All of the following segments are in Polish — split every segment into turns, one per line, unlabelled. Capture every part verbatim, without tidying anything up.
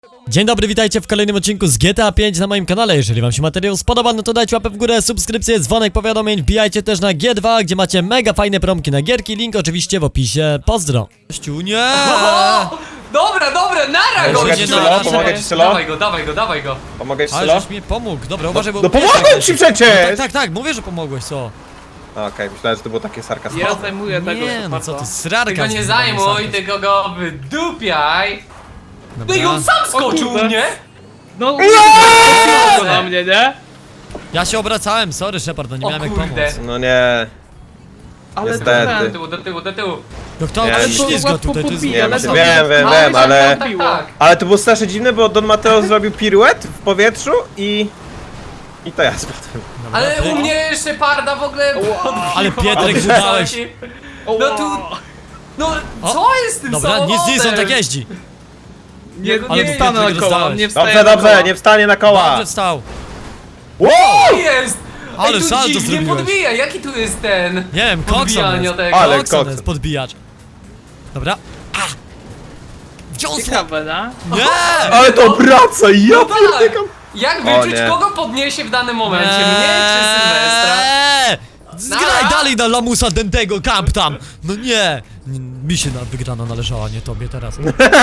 Dzień dobry, witajcie w kolejnym odcinku z G T A pięć na moim kanale. Jeżeli wam się materiał spodoba, no to dajcie łapę w górę, subskrypcję, dzwonek powiadomień. Wbijajcie też na G dwa, gdzie macie mega fajne promki na gierki. Link oczywiście w opisie. Pozdro. Gościu, nie!
O, dobra, dobra, nara go!
Pomogę ci, Sylo,
pomogę ci, Sylo.
Dawaj go, dawaj go, dawaj go.
Pomogę ci,
Ale
Sylo?
żeś mi pomógł. Dobra, uważaj, bo...
No pomogłem ci przecież!
Tak, tak, tak, mówię, że pomogłeś, co?
Okej, myślałem, że to było takie sarkastyczne.
Ja zajmuję tego
Nie, no co ty,
Ty
srarka.
go nie zajmuj, tylko go wydupiaj. No i on sam skoczył u
kurde.
mnie!
No, go na mnie, nie?
Ja się obracałem, sorry Shepard, no nie
O
miałem jak
kurde.
pomóc.
No nie.
Ale
Niestety.
to
Do
ten.
tyłu, do tyłu, do tyłu.
No kto
Nie,
ale
mi-
ślizga
łatwo
tutaj, to jest...
podbija,
Nie,
ale
wiem,
to-
wiem, wiem,
Ale
wiem, ale...
tak, tak.
Ale to było strasznie dziwne, bo Don Mateo zrobił piruet w powietrzu i... I to ja spadłem.
Dobra,
Ale
pyk.
u mnie jeszcze parda w ogóle podbiła.
Ale Pietrek, udałeś.
No tu... No
O,
co jest z tym
Dobra,
samochodem?
nic, nic, on tak jeździ.
Nie,
Ale
nie wstanę
Piotrek
na koła,
rozdałeś.
nie wstaję
Dobrze,
na koła.
dobrze, nie wstanie na koła!
Dobrze wstał.
Wow!
Co jest?
Ale
Ej, tu
salto
dziwnie
zrobiłeś.
podbija, jaki tu jest ten...
Nie wiem, kokson
Podbijanie
jest.
tego.
Ale
Kokson
kokson.
jest, podbijacz. Dobra. A! Wdziąsło!
Ciekawe, no?
Nie!
Ale to wraca, ja
No tak.
pierdykam!
Jak
O
wyczuć,
nie.
kogo podniesie w danym momencie? Mnie czy Sylwestra?
Nie! Zgraj
Nara.
dalej na lamusa Dentego, kamp tam! No nie! Mi się na wygrana należała, nie tobie teraz.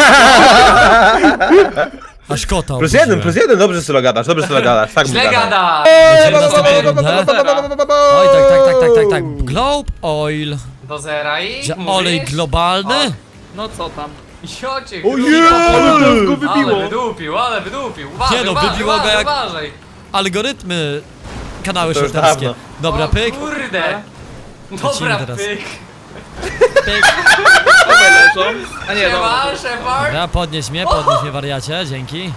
Aż kota
Plus jeden,
obudziłem.
plus jeden, dobrze Sylo gadasz, dobrze Sylo gadasz, tak mu
Źle
gadasz.
gada!
Będziemy następną rundę. Oj, tak, tak, tak, tak, tak, tak. Globe Oil.
Do zera i
Że
mówisz?
olej globalny?
No co tam?
Jocie,
Ojej!
Ale go
Ale
wybiło.
wydupił, ale wydupił. Uważaj,
Nie no,
uważaj,
wybiło go
uważaj,
jak-
uważaj.
Algorytmy. Kanały
To już
shorterskie.
dawno.
Dobra,
O
pyk.
kurde. Dobra,
Lecimy teraz.
pyk.
Pyk.
Obaj leżą. A nie,
Siema,
dobra.
Shepard.
Dobra, podnieś mnie, podnieś mnie wariacie, dzięki.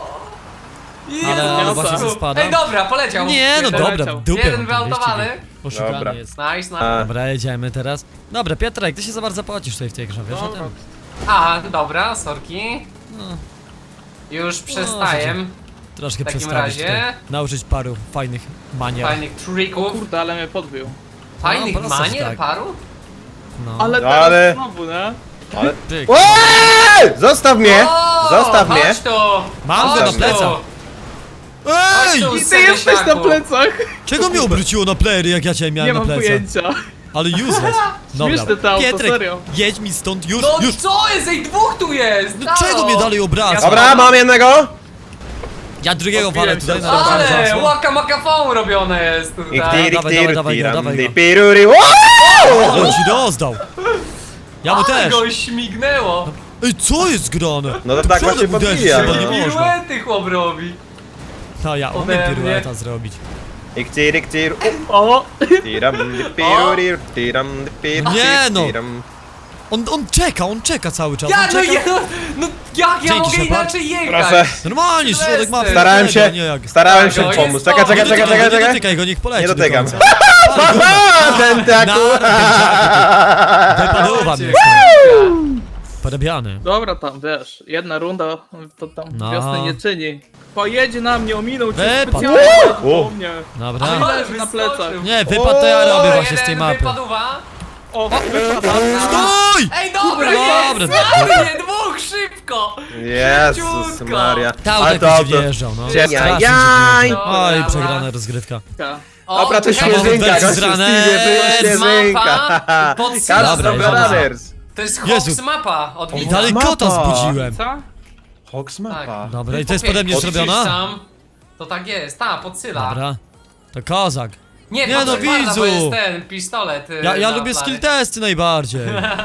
Ale, ale
Jezu.
właśnie ze spada.
Ej, dobra, poleciał.
Nie no
Jeden-
dobra,
leciał.
w dupie.
Jeden
mam ten
wyautowany.
wyścig. Poszukany
Dobra.
jest.
Nice, nice.
A.
Dobra, jedziemy teraz. Dobra, Piotrek, ty się za bardzo pocisz tutaj w tej grze, wiesz o
Dobra.
tym?
A, dobra, sorki.
No.
Już przestaję.
Troszkę
W takim
przestawić
razie-
tutaj. Nauczyć paru fajnych manier.
Fajnych trików.
Kurde, ale mnie podbił.
Fajnych
No, prosto, że
manier
tak.
paru?
No.
Ale
No,
teraz
ale-
znowu, nie?
Ale...
Pyk.
Eee! Zostaw mnie!
O,
Zostaw mnie!
Chodź tu!
Mam
Chodź
go na
tu.
plecach.
Chodź
Ej!
tu,
I ty jesteś na
Sedeziaku.
plecach.
Czego mnie obróciło na playery, jak ja cię
Nie
miałem na
mam
plecach?
pojęcia.
Ale useless. Dobra,
Śmieszne to auto,
Pietrek,
serio.
jedź mi stąd już,
No
już.
co jest? Ej, dwóch tu jest!
No czego mnie dalej obraca?
Dobra, mam jednego!
Ja drugiego walę
Odbiłem
tutaj
się
na
od
razie.
Ale
zasłon.
łaka makafon robione jest
I
tutaj.
ktir,
dawaj, dawaj,
ktir,
dawaj go,
tiram,
dawaj go.
di, piruri. Wow!
Ale ci rozdał. Ja mu
Ale
też.
go śmignęło.
Ej, co jest grane?
No to
Ty
tak
przodem
właśnie
uderzysz,
podbija,
chyba
no.
nie można.
Piruety chłop robi.
No ja umiem
Ode mnie.
pirueta zrobić.
I ktir, i ktir.
O!
Tiram, di, piruri, tiram, di, pir,
No
pir,
nie, no.
tiram.
On, on czeka, on czeka cały czas.
Ja,
on
no,
czeka.
ja, no jak ja
Dzięki,
mogę
Shepard.
inaczej jechać?
Proszę.
Normalnie, środek mapy.
Starałem
tego,
się,
Nie jak.
starałem
Tak,
się
no,
pomóc.
jest
Czekaj,
to.
czekaj,
Nie
czekaj,
dotykaj,
czekaj,
nie
czekaj.
dotykaj go, niech poleci
Nie
do
dotykam.
końca.
Aha, ten taku!
Wypadowa mnie.
Cię.
Porabiany.
Dobra tam, wiesz, jedna runda to tam
No.
wiosny nie czyni. Pojedzie na mnie, ominął cię
Wypadł.
specjalnie
Wow.
po mnie.
Dobra.
Ale
Leży na
wyskoczył.
plecach.
Nie, wypad to ja robię
Dobra,
właśnie z tej
jeden
mapy.
wypadła.
O,
Stój!
Ej, dobra,
Dobra,
jest!
dobra.
Ładnie, dwóch, szybko!
Jezus
Szybciutko.
Maria.
Ta auto
Ale to
jakoś
auto...
wjeżdżał, no.
Jaj,
Strasznie
jaj.
się wjeżdżał.
Dobra,
Oj,
dobra.
przegrana rozgrywka.
O,
Dobra, to
czekaj,
Samochód
śnieżynka,
wersji
gościu,
zrane.
Stevie,
To jest
śnieżynka.
mapa pod
Cars
Dobra,
of
jedziemy.
Brothers.
To jest
Jezu.
Hox mapa od
I
widza.
dalej
Mapa.
kota zbudziłem.
co?
Hox
Tak.
Dobra, i to jest pode mnie
Popier-
zrobiona?
Sam. To tak jest, ta, podsyla.
Dobra. To kozak.
Nie,
Nie
to
no,
Sheparda,
widzu.
bo jest ten pistolet. y,
Ja, ja
na
lubię
planie.
skill testy najbardziej.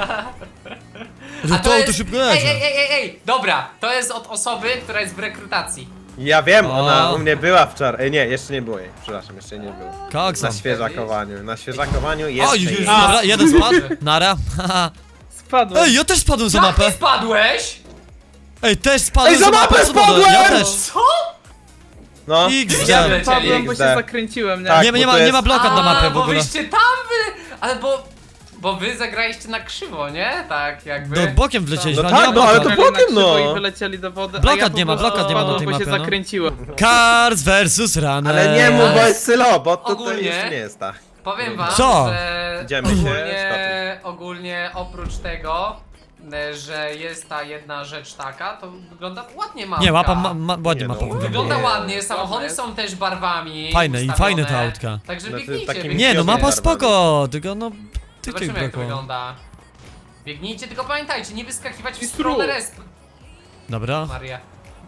A
To auto szybko
Ej,
jedzie.
ej, ej, ej, ej, dobra, to jest od osoby, która jest w rekrutacji.
Ja wiem, ona
O.
u mnie była wczoraj. Ej, nie, jeszcze nie było jej. Przepraszam, jeszcze nie było.
Koksa.
Na świeżakowaniu. Na świeżakowaniu jest.
Oj,
jest.
dobra, jeden spadł. Nara. Haha.
Spadłem.
Ej, ja też spadłem za
Jak
mapę.
ty spadłeś?
Ej, też spadłem
Ej, za mapę
co wodę.
spadłem!
Ja też.
Co?
No.
X.
Ja
Nie,
Spadłem, bo się
X D.
zakręciłem, nie?
Tak.
nie, nie,
bo
ma,
to
nie ma
jest-
blokad na mapę w
bo
ogóle.
wyście tam wy... Ale bo... Bo wy zagraliście na krzywo, nie? Tak jakby...
No bokiem wlecieliśmy,
No
ale nie
tak,
ma
no ale
blokad.
to
Zagrali na
potem, no.
krzywo I wylecieli do wody,
Blokad
a ja po
nie ma,
prostu
blokad nie ma na
spadłem,
tej
bo się
mapie, no.
zakręciłem.
Cars versus Runner.
Ale nie mów, bo
Ale
jest Sylo, bo to, to
ogólnie-
jeszcze nie jest tak.
Powiem wam,
Co?
że
Idziemy się
ogólnie,
skoczyć.
ogólnie oprócz tego e, że jest ta jedna rzecz taka, to wygląda ładnie mapka.
Nie, mapa ma, ma, ładnie
Nie,
mapa
no,
wygląda.
Wygląda
Nie.
ładnie, samochody
Ładne
są też barwami
Fajne i
ustawione.
fajne te autka.
Także
Znaczy,
biegnijcie,
takim
biegnijcie.
Nie, no mapa
Barwami.
spoko, tylko no... Ty
Zobaczymy
tych
jak to
brakło.
wygląda. Biegnijcie, tylko pamiętajcie, nie wyskakiwać w
I
stronę
stru.
resp.
Dobra.
Maria.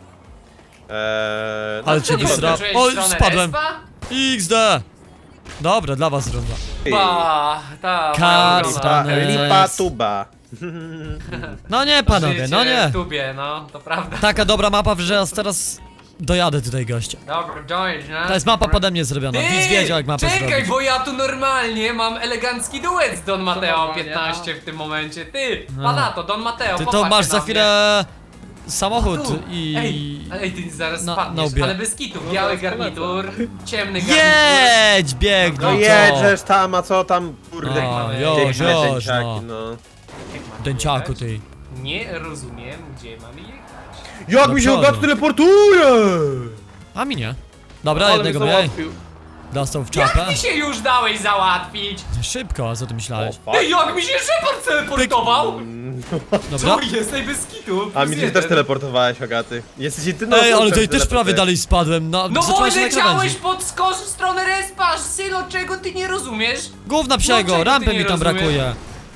Eee,
Ale
no,
cię
Nie
wysra...
wyskoczyłeś w
Oj,
stronę
spadłem.
respa?
iks de! Dobra, dla was runda.
Ba, ta,
Kat,
moja
sta-
ulubiona.
lipa, lipa tuba.
No nie panowie,
Życie
no nie.
w tubie, no, to prawda.
Taka dobra mapa, że ja teraz dojadę tutaj gościa.
Dobra, dojdź, no.
To jest mapa pode mnie zrobiona,
Ty,
Wiz wiedział jak mapę
czekaj,
zrobić.
bo ja tu normalnie mam elegancki duet z Don Mateo
normalnie,
piętnaście w tym momencie. Ty,
No.
pana to, Don Mateo,
Ty to
popatrz
masz
na
za
mnie.
chwilę samochód
Tu.
i...
Ej, ej, ty zaraz
na-
spadniesz,
na łbie.
ale bez kitu,
No
biały
zaraz
garnitur, ciemny garnitur.
Jedź, bieg,
No
no
jedziesz tam, a co tam, kurde,
A,
mamy
już,
piękne
już,
dęciaki,
no.
no.
Jak mamy
Dęciaku
jechać?
ty.
Nie rozumiem, gdzie mamy jechać.
Jak
Do
mi się
przodu.
gad teleportuje!
A mi nie. Dobra,
Ale
jednego
mnie
mniej.
załatwił.
Dostał w
Jak
czapę.
ty się już dałeś załatwić?
Szybko, a co ty myślałeś?
O, fuck.
Ty, jak mi się Shepard teleportował?
Dobra.
Co jest tej bez kitu?
A mi
Plus
ty też
jeden.
teleportowałeś, Hogaty. Jesteś jedyną
Ej,
osobą,
ale
która
tutaj
się
też prawie
teleportuje.
dalej spadłem, no,
No bo
zacząłem się na
leciałeś
krawędzi.
pod skos w stronę respa, Sylo, czego ty nie rozumiesz?
Gówna psiego,
czego ty
rampy
nie
mi tam
rozumiesz?
brakuje.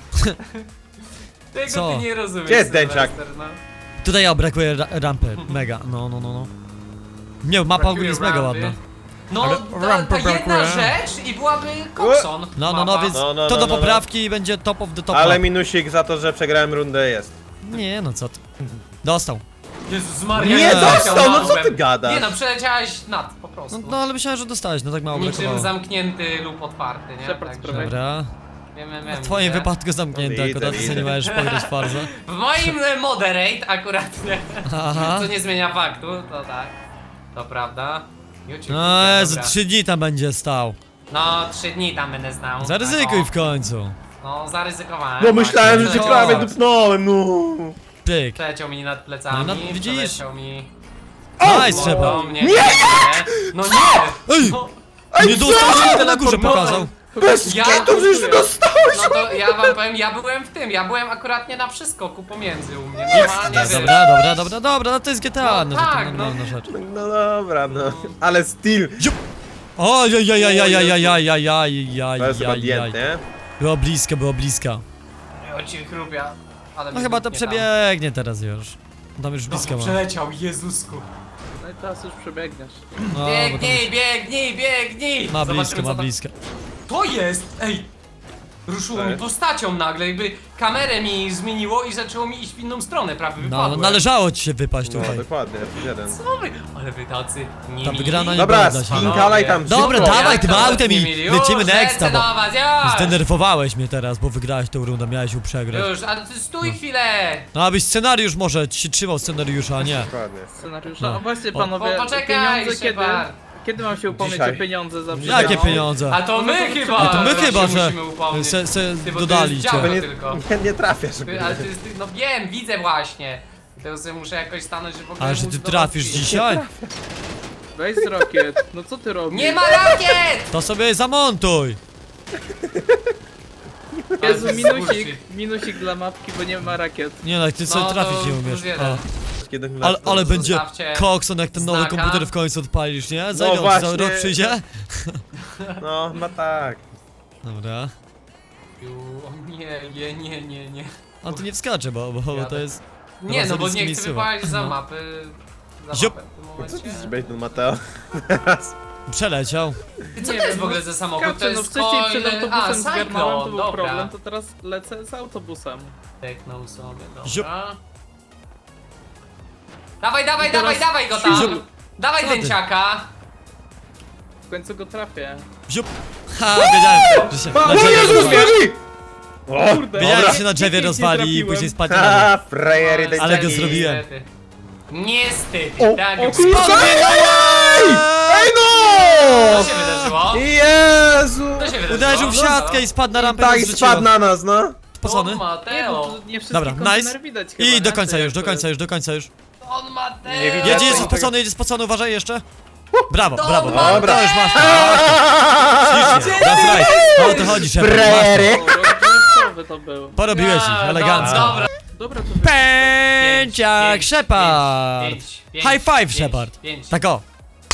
Tego
Co?
ty nie rozumiesz.
Gdzie jest
Sylwester,
dęciak?
no.
Tutaj ja brakuje ra rampy, mega, no, no, no, no. Nie, mapa ogólnie jest mega
Rampy.
ładna.
No,
Ale
ta,
rampy
ta jedna
brakuje.
rzecz i byłaby Coxon.
No, no, no,
mapa.
więc
No, no,
to
no,
do
no, no.
poprawki i będzie top of the top.
Ale
map.
minusik za to, że przegrałem rundę jest.
Nie, no co ty. Dostał.
Jezus Maria,
Nie
jak
dostał,
przeleciał
no
nad
co ty
łbem.
gadasz?
Nie no, przeleciałeś nad, po prostu.
No, no ale myślałem, że dostałeś, no tak mało
Niczym
brakowało.
zamknięty lub otwarty, nie?
Shepard
Także
sprawia.
Dobra.
wiem, wiem, wiem,
W twoim
widzę.
wypadku zamknięte,
No,
akurat
widzę,
ty sobie nie
widzę.
możesz pograć Farza.
W moim e, moderate akurat nie.
Aha.
Co nie zmienia faktu, to tak. To prawda. YouTube,
No, Jezu,
dobra.
trzy dni tam będzie stał.
No, trzy dni tam będę znał.
Zaryzykuj
Tak,
w końcu.
o. No, zaryzykowałem.
No myślałem, że
właśnie.
cię
O.
prawie dupnąłem, no.
Pyk.
Przeleciał mi nad plecami,
No, no, widzisz?
przeleciał mi...
Nice,
No,
trzeba.
do mnie, nie! No nie!
Ej!
No,
Nie dostał, że to na górze
No,
pokazał.
Bez
Ja-
kitu, przecież ty dostałeś!
no to ja wam powiem, ja byłem w tym, ja byłem akuratnie na przeskoku pomiędzy u mnie. Normalnie, wiesz.
Dobra, dobra, dobra, dobra, no to jest G T A,
No
no to
tak,
to
no.
normalna rzecz.
No dobra, no. Ale still.
Ojajajajajajajajajajajaj.
To jest chyba dient, nie?
Było blisko, było blisko.
O cię chrupia. Ale
No
mnie
chyba to
dupnie tam.
przebiegnie teraz już. Tam już
Dobra,
blisko ma.
przeleciał, Jezusku.
No i teraz już przebiegniesz.
No, bo tam
Biegnij,
już
biegnij, biegnij!
ma
Zobaczymy,
blisko,
co
ma
tam-
blisko.
To jest! Ej! Ruszyło
Co
mi
jest?
postacią nagle, jakby kamerę mi zmieniło i zaczęło mi iść w inną stronę, prawie
No,
wypadłem.
należało ci się wypaść
No
tutaj.
dokładnie, jeden.
Co wy? Ale wy tacy nie
Ta
mili.
wygrana nie
Dobra,
była dla ciebie.
spinkalaj tam
Dobra,
szybko.
dawaj
Jak
tym
to
autem i
nie mili?
lecimy
Już,
next,
lecę
bo
do was, już!
zdenerwowałeś mnie teraz, bo wygrałeś tą rundę, miałeś ją przegrać.
Już, ale ty stój chwilę!
No abyś scenariusz może ci się trzymał scenariusza, a nie.
Dokładnie.
Scenariusza.
No.
No właśnie
O.
panowie,
Po- poczekaj,
pieniądze kiedy?
Shepard.
Kiedy mam się upomnieć
Dzisiaj.
o pieniądze za
Jakie
przegraną?
pieniądze?
A to my chyba!
A to my
się
chyba, że
musimy upomnieć.
se, se
Ty, bo to
dodali
jest
cię.
działo.
To nie,
tylko.
nie, nie trafiasz.
Ty, ale ty, ty, no wiem, widzę właśnie. To sobie muszę jakoś stanąć, że w ogóle
Ale że
móc
ty
do was
trafisz
przyjść.
dzisiaj?
Weź z rokiet. No co ty robisz?
Nie ma rakiet!
To sobie zamontuj!
Jezu,
Ale
minusik.
bullshit.
Minusik dla mapki, bo nie ma rakiet.
Nie no, jak ty sobie
No,
trafić
to
nie
plus
umiesz.
jeden.
O.
Kiedy
Ale, ale będzie
Zostawcie
kokson jak ten nowy
znaka.
komputer w końcu odpalisz, nie? Za
No
ile on ci za
właśnie.
rok przyjdzie?
No, no tak.
Dobra.
Ju, o nie, nie, nie, nie, nie.
A tu nie wskacze, bo, bo, bo to
Jadę.
jest...
Nie, no bo nie chcę
miejscowa.
wypaść za
No.
mapy. Za
Ziup.
mapę w tym
Co
momencie.
ty zrobiłeś, ten Mateo?
Przeleciał.
Ty, Co
Nie
to jest
wiem,
w ogóle
no
za samochód? To
Skaczę, no
jest
wcześniej przed
coil... A,
autobusem zgarnąłem, to
Cyclone,
był
dobra.
problem, to teraz lecę z autobusem.
Teknął sobie,
Ziup.
dobra. Dawaj, dawaj,
I teraz-
dawaj, dawaj go tam!
Ziup.
Dawaj
Co ty?
dęciaka!
W końcu go trafię.
Ziup. Ha, wiedziałem, że się na
O
drzewie
Jezus,
rozwali.
drogi! O,
Kurde.
Wiedziałem,
dobra.
że się na drzewie
Pięknie
rozwali i
trafiłem.
później spadnie na
Ha,
dół.
frajery
Ale
Ale go
dęciaki.
zrobiłem.
Niestety. Niestety, tak.
o
jak-
kurde.
Ej! Ej
Co
no!
się wydarzyło?
Jezu!
Co się wydarzyło?
Uderzył w
No,
siatkę i spadł na rampę
Tak,
i
i
zrzuciło.
spadł na nas, no.
Spocony.
Don
Nie, bo
Mateo!
tu nie wszystkie
Dobra,
kontenery
nice.
widać chyba,
I
nie?
do końca
Czy
już,
jak
do
to
końca
jest?
już, do końca już.
Don Mateo!
Nie widać.
Jedzie,
Ja
jedzie
to-
spocony, jedzie spocony, uważaj jeszcze. Brawo,
Don
brawo.
Mateo!
Dobra.
To już masz. Ślicznie, that's right. O to chodzi, Shepard. Masz to.
Frajery!
O, rozgrzewkowy to był.
Porobiłeś ich,
A,
elegancko.
Dobra,
Dobra, to
Pęciak
pięć,
Shepard!
pięć, pięć,
High five
pięć,
Shepard!
pięć,
Tak o!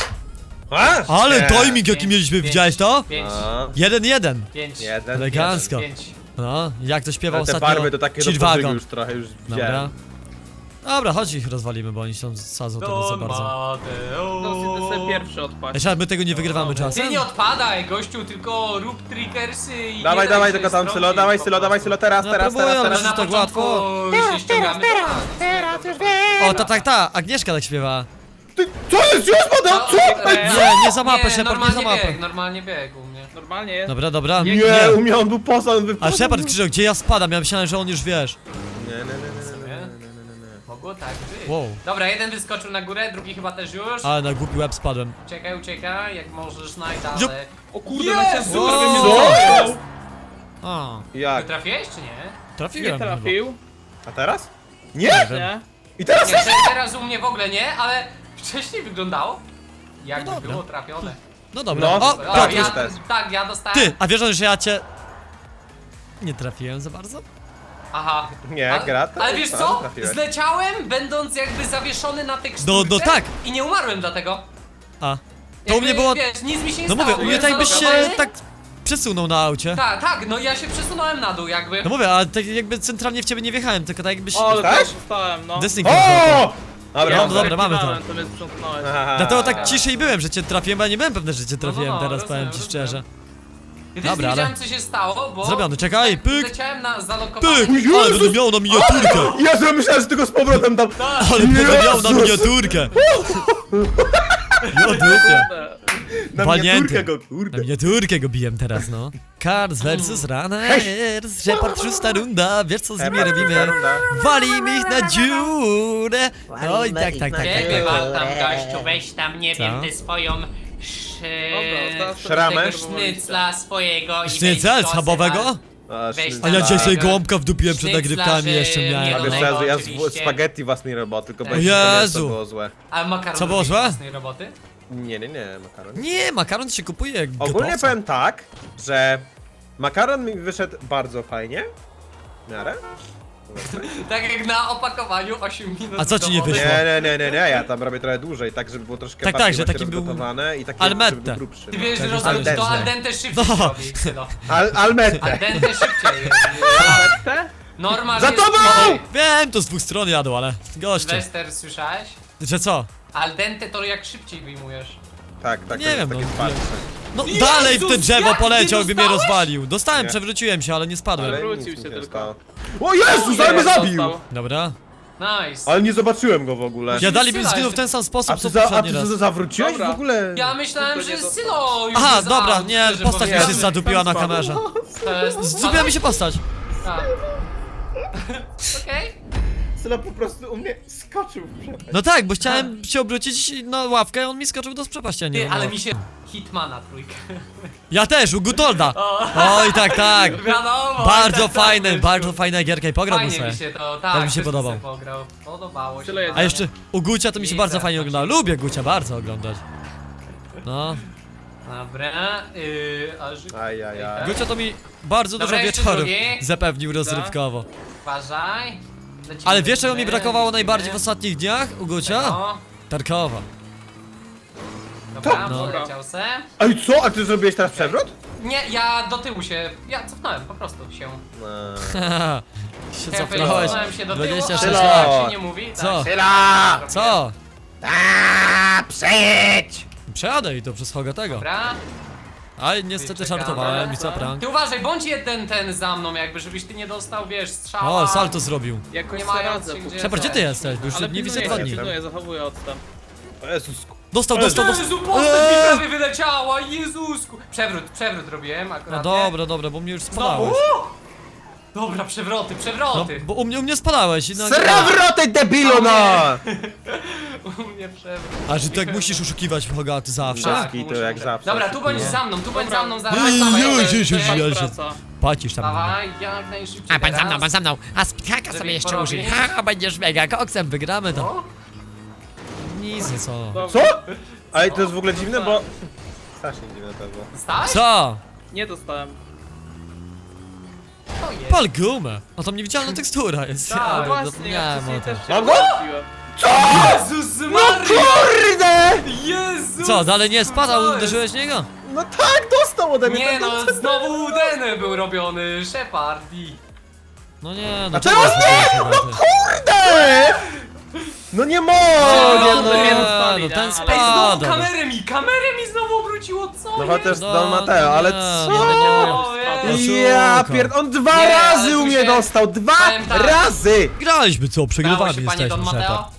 A?
Ale
Nie.
timing jaki
pięć,
mieliśmy,
pięć,
widziałeś to?
Pięć,
A,
Jeden jeden.
pięć,
jeden,
Elegancko.
pięć.
No, jak to śpiewał
Ale te
ostatnio
barwy to takie do
G-Wagon.
pożygu już trochę już
Dobra.
widziałem.
Dobra, chodź ich rozwalimy, bo oni są sadzą teraz za
Don
bardzo.
Mateo.
No, ty sobie pierwszy odpaść.
Jeszcze my tego nie wygrywamy
Ty
czasem.
nie odpadaj, gościu, tylko rób trickersy i
Dawaj,
nie daj
dawaj,
się
tylko tam
strącić
Sylo, dawaj
po
Sylo, dawaj
prostu.
Sylo, teraz,
No,
teraz,
próbuję,
teraz,
ale
teraz.
Na
tak
początku
łatwo.
się ściągamy, teraz, teraz,
O, to tak ta, Agnieszka tak śpiewa.
Ty, co jest? Już padał? Co? Ej,
Nie, nie za mapę,
nie,
Shepard, nie
normalnie
za mapę.
bieg, normalnie bieg u mnie.
Normalnie jest.
Dobra, dobra.
Nie,
Nie.
u mnie on był poza, on
A
wypadł.
Shepard krzyczał, gdzie ja spadam? Ja myślałem, że on już wiesz.
Nie, nie, nie, nie, nie, nie, nie, nie, nie, nie.
Mogło tak być.
Wow.
Dobra, jeden wyskoczył na górę, drugi chyba też już.
Ale na głupi łeb spadłem.
Uciekaj, uciekaj, jak możesz najdalej.
Jup.
O kurde,
Jezu!
na się
Wow.
prawie mnie
Co?
zabrał.
A,
Ty
Jak?
trafiłeś czy nie?
trafiłem.
Nie
chyba.
trafił.
A teraz? Nie!
Nie?
I teraz?
Nie, te- teraz u mnie w ogóle nie, ale wcześniej wyglądało jakby
No dobra.
było trafione.
No dobra.
No.
O,
O,
Piotr
ja,
jest.
też.
tak, ja dostałem.
Ty, a wiesz, że ja cię... Nie trafiłem za bardzo?
Aha.
Nie,
Ale-
gra to
Ale
jest
wiesz
tam,
co?
trafiłeś.
Zleciałem, będąc jakby zawieszony na teksturce.
No, no tak.
I nie umarłem dlatego.
A. To u
Jakby,
mnie było...
Wiesz, nic mi się nie
No
stało.
mówię, u mnie
byłem
tak jakbyś się
zalogowany.
tak przesunął na aucie.
Tak, tak, no ja się przesunąłem na dół jakby.
No mówię, ale tak jakby centralnie w ciebie nie wjechałem, tylko tak jakbyś...
O, ale
Dostałeś?
też dostałem, no.
Destiny
O! Dobra,
No,
dobra.
dobra, mamy to.
Zrektywałem, to mnie sprzątnąłeś.
Aha.
Dlatego tak ciszej byłem, że cię trafiłem, a nie byłem pewny, że cię trafiłem
no, no,
teraz,
rozumiem,
powiem ci
rozumiem.
szczerze.
Ja też
Dobra,
nie
ale-
wiedziałem co się stało, bo...
Zrobiony, czekaj, pyk.
Leciałem na zalokowany...
Pyk! Ale będę miał na miniaturkę!
Jezu, ja myślałem, że tylko z powrotem tam...
Ale będę miał na
Jezus!
miniaturkę! Jo dupie!
Kurde.
Na
Panienty.
miniaturkę go,
Na
kurde.
miniaturkę go bijem teraz, no. Cars versus Runners, Shepard szósta runda, wiesz co z nimi
Shepard,
robimy?
szósta runda.
Walimy ich na dziurę! No i tak, tak, tak, tak,
Ciebie
tak.
wal tam gościu, weź tam, nie
Co?
wiem, ty swoją...
Dobra,
Sz...
teraz to
Szramę?
tego
sznycla swojego i
Sznycel
weź to
schabowego?
sobie
A,
Weź
sznycel.
A ja dzisiaj sobie
Sznycla.
gołąbka wdupiłem przed
Sznycla,
nagrywkami,
że
jeszcze
nie
miałem.
A
no,
wiesz,
no,
ja, ja z
oczywiście.
spaghetti własnej roboty, tylko
O
będzie to
Jezu.
było złe.
A makaron
Co było
robisz
złe?
własnej roboty?
Nie, nie, nie, makaron.
Nie, makaron się kupuje jak
Ogólnie
gotowca.
powiem tak, że makaron mi wyszedł bardzo fajnie. W miarę.
Tak jak na opakowaniu osiem minut
A co ci nie
domowe.
wyszło?
Nie, nie, nie, nie, nie, ja tam robię trochę dłużej, tak żeby było troszkę
Tak,
bardziej
tak, że
właśnie
taki był
rozgotowane i takie,
al
żeby
dente.
był grubszy.
Ty wiesz,
Tak,
że
al
robić to
dente.
al dente szybciej
No.
robi, syno.
Al,
Al
almette.
dente szybciej jest.
Te?
Normal
Za
jest-
tobą!
Ej,
Wiem, to z dwóch stron jadą, ale goście.
Wester, słyszałeś?
Że co?
Al dente to jak szybciej wyjmujesz.
Tak, tak,
Nie
to jest
wiem,
takie
no,
twardsze.
No
Jezus,
dalej w te drzewo
jak?
poleciał,
Nie
by mnie
dostałeś?
rozwalił. Dostałem,
Nie.
przewróciłem się, ale nie spadłem.
Ale
Wrócił
nic
się
mi nie
tylko.
stało. O Jezus, ale mnie
Jest,
zabił!
dostał.
Dobra.
Nice.
Ale nie zobaczyłem go w ogóle.
Ja dali mi
Syla,
zginął w
jeszcze-
ten sam
A
sposób,
ty,
co
za, a
poprzedni
ty
raz.
za- zawróciłeś
Dobra.
w ogóle?
Ja myślałem,
To
że
nie dostał.
Sylo już
Aha,
by
dobra,
znał,
nie,
szczerze
postać mi się
powiedziawszy.
zadupiła na
Spadł.
kamerze.
To jest...
Zdupiła mi się postać.
Tak. Okej.
Syla po prostu u mnie skoczył w przepaść.
No tak, bo chciałem się obrócić na ławkę, a on mi skoczył do przepaści, a nie
Ty,
no.
ale mi się... Hitmana trójkę.
Ja też, u Gutolda. Oj, tak, tak.
Wiadomo.
Bardzo
tak, tak,
fajne,
gościu.
bardzo fajna gierka i pograłbym
Fajnie
sobie.
mi się to, tak,
Tak mi się
też
podobał.
sobie Pograł. Podobało się.
Tyle jest.
A jeszcze u Gucia to mi się
I
bardzo
teraz
fajnie
tak
oglądało.
się-
Lubię Gucia bardzo oglądać. No.
Dobra, yy, aż...
Ajajaj.
Gucia to mi bardzo
Dobra,
dużo
jeszcze
wieczorów
drugi.
zapewnił rozrywkowo.
Uważaj. Lecimy,
Ale wiesz czego mi
lecimy,
brakowało
lecimy.
najbardziej w ostatnich dniach u Gucia?
No,
Tarkowa.
dobra,
No.
poleciał se.
Ej, co? A ty zrobiłeś teraz przewrót?
Nie, ja do tyłu się, ja cofnąłem po prostu się.
No.
Haha. się
Ja
cofnąłeś.
cofnąłem się do tyłu,
dwadzieścia
ale
sześć
lat.
tak się nie mówi.
Co?
Tak,
Syla!
Co?
Aaa, przejedź!
Przejadę i to przez Hogatego.
Dobra.
Ale niestety
Czekamy.
żartowałem i co prank.
Ty uważaj, bądź jeden ten za mną jakby, żebyś ty nie dostał, wiesz, strzała.
O, salto zrobił.
Jakoś
Nie
sobie
mając
radzę.
się gdzie-
Shepard, gdzie ty jesteś? Bo już
Ale
nie widzę
pilnuję,
dwa dni.
pilnuję, zachowuję odstęp.
O Jezus.
Dostał, dostał, dostał.
Jezu, postać mi
Eee.
prawie wyleciała, Jezusku. Przewrót, przewrót robiłem akurat.
No dobra, dobra, bo mnie już
Znowu?
spadałeś.
Dobra, przewroty,
No,
przewroty.
bo u mnie, u mnie spadałeś. i No,
Srewroty debilu, no!
U mnie przewrót.
a że tak musisz oszukiwać w Hogaty zawsze?
Tak,
Taki to
muszę,
jak
muszę.
zawsze.
Dobra, tu bądź
No.
za mną, tu bądź
Dobra.
za mną, zaraz,
Ej,
dawaj,
ej,
dawaj,
ej, ej,
dawaj,
ej, ej.
Praca.
Płacisz tam.
dawaj, jak najszybciej
A pan za mną,
teraz.
pan za mną. A spikaka
Żeby
sobie
ich
jeszcze
porobić.
użyj. Ha, będziesz mega koksem, wygramy to.
O,
Nic, no co?
Dobra.
Co? Ale to jest w ogóle dziwne, bo... Strasznie dziwne to było.
dostałeś?
Co?
Nie dostałem.
To
Pal gumę! A tam niewidzialna tekstura jest.
Tak,
Ja
Właśnie, ja
zapomniałem
wcześniej
o tym.
też się
Mam go?
potrafiłem.
Jezus
No
Maria!
kurde!
Jezus!
Co, dalej nie spadał,
co jest?
uderzyłeś w niego?
No tak, dostał ode mnie.
Nie
tak
no,
dobrze.
znowu Udeny był robiony, Shepard i...
No nie, no
A teraz nie! No kurde! No nie mogę,
No,
no!
nie,
no ten
ale-
Ej, znowu
spadł.
kamerę mi, kamerę mi znowu obróciło, co
No
jest?
chociaż
No,
Don Mateo, ale
nie,
co?
nie, nie, nie.
O, Jezu.
Ja
Oszuka.
pierd... On dwa
Nie, ale
razy
tu
u mnie
się-
dostał! Dwa
Powiem tak.
razy!
Graliśmy co,
Udało
przegrywami
się, panie
jesteśmy,
Don Mateo?
Shepard.